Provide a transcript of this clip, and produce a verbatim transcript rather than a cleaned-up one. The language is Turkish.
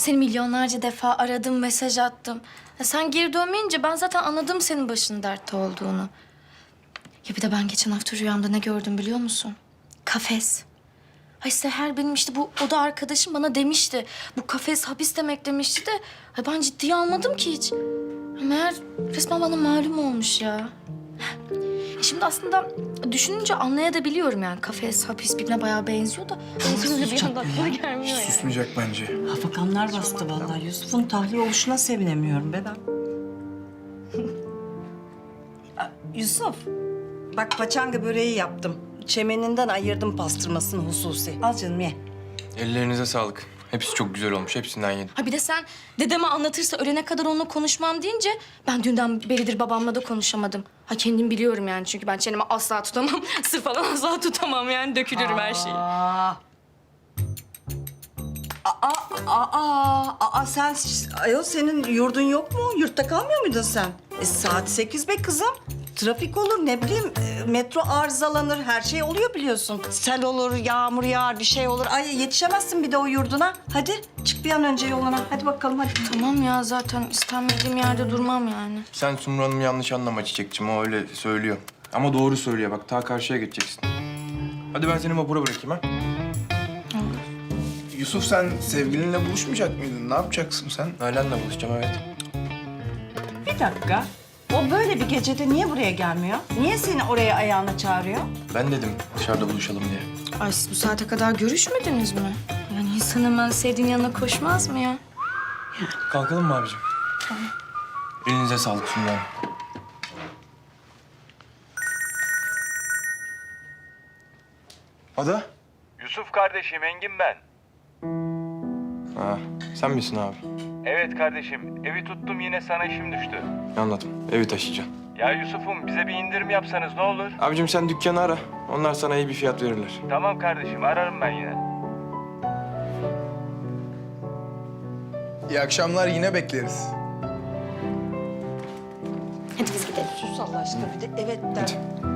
Seni milyonlarca defa aradım, mesaj attım. Ya sen geri dönmeyince ben zaten anladım senin başının dertte olduğunu. Ya bir de ben geçen hafta rüyamda ne gördüm biliyor musun? Kafes. Ay Seher benim işte bu oda arkadaşım bana demişti. Bu kafes hapis demek demişti de... Ay ben ciddiye almadım ki hiç. Meğer resmen bana malum olmuş ya. Şimdi aslında düşününce anlayabiliyorum yani. Kafes, hapis birbirine bayağı benziyor da... Benziyor bir anda aklıma gelmiyor yani. Susmayacak bence. Hafakanlar bastı vallahi. Yusuf'un tahliye oluşuna sevinemiyorum be ben. Aa, Yusuf, bak paçanga böreği yaptım. Çemeninden ayırdım pastırmasını hususi. Al canım ye. Ellerinize sağlık. Hepsi çok güzel olmuş. Hepsinden yedim. Ha bir de sen dedeme anlatırsa ölene kadar onunla konuşmam deyince... ...ben dünden beridir babamla da konuşamadım. Ha kendim biliyorum yani çünkü ben çenemi asla tutamam. Sır falan asla tutamam yani dökülürüm her şeyi. Aa. Aa, aa, aa, aa, sen, ayol senin yurdun yok mu? Yurtta kalmıyor muydun sen? E, saat sekiz be kızım. Trafik olur, ne bileyim, e, metro arızalanır, her şey oluyor biliyorsun. Sel olur, yağmur yağar, bir şey olur. Ay yetişemezsin bir de o yurduna. Hadi çık bir an önce yoluna. Hadi bakalım hadi. Tamam ya zaten istenmediğim yerde durmam yani. Sen Sumru Hanım'ı yanlış anlama Çiçekçim. O öyle söylüyor. Ama doğru söylüyor. Bak ta karşıya geçeceksin. Hadi ben seni vapura bırakayım ha. Yusuf sen sevgilinle buluşmayacak mıydın? Ne yapacaksın sen? Nalan'la buluşacağım evet. Bir dakika. O böyle bir gecede niye buraya gelmiyor? Niye seni oraya ayağına çağırıyor? Ben dedim dışarıda buluşalım diye. Ay siz bu saate kadar görüşmediniz mi? Yani insan hemen sevdiğin yanına koşmaz mı ya? Kalkalım mı abicim? Tamam. Elinize sağlık Sumru Hanım. Ada? Yusuf kardeşim, Engin ben. Ha, sen misin abi? Evet kardeşim, evi tuttum yine sana işim düştü. Anladım. Evi taşıyacağım. Ya Yusuf'um bize bir indirim yapsanız ne olur? Abicim sen dükkanı ara. Onlar sana iyi bir fiyat verirler. Tamam kardeşim, ararım ben yine. İyi akşamlar, yine bekleriz. Hadi biz gidelim. Sus Allah aşkına bir de evet der.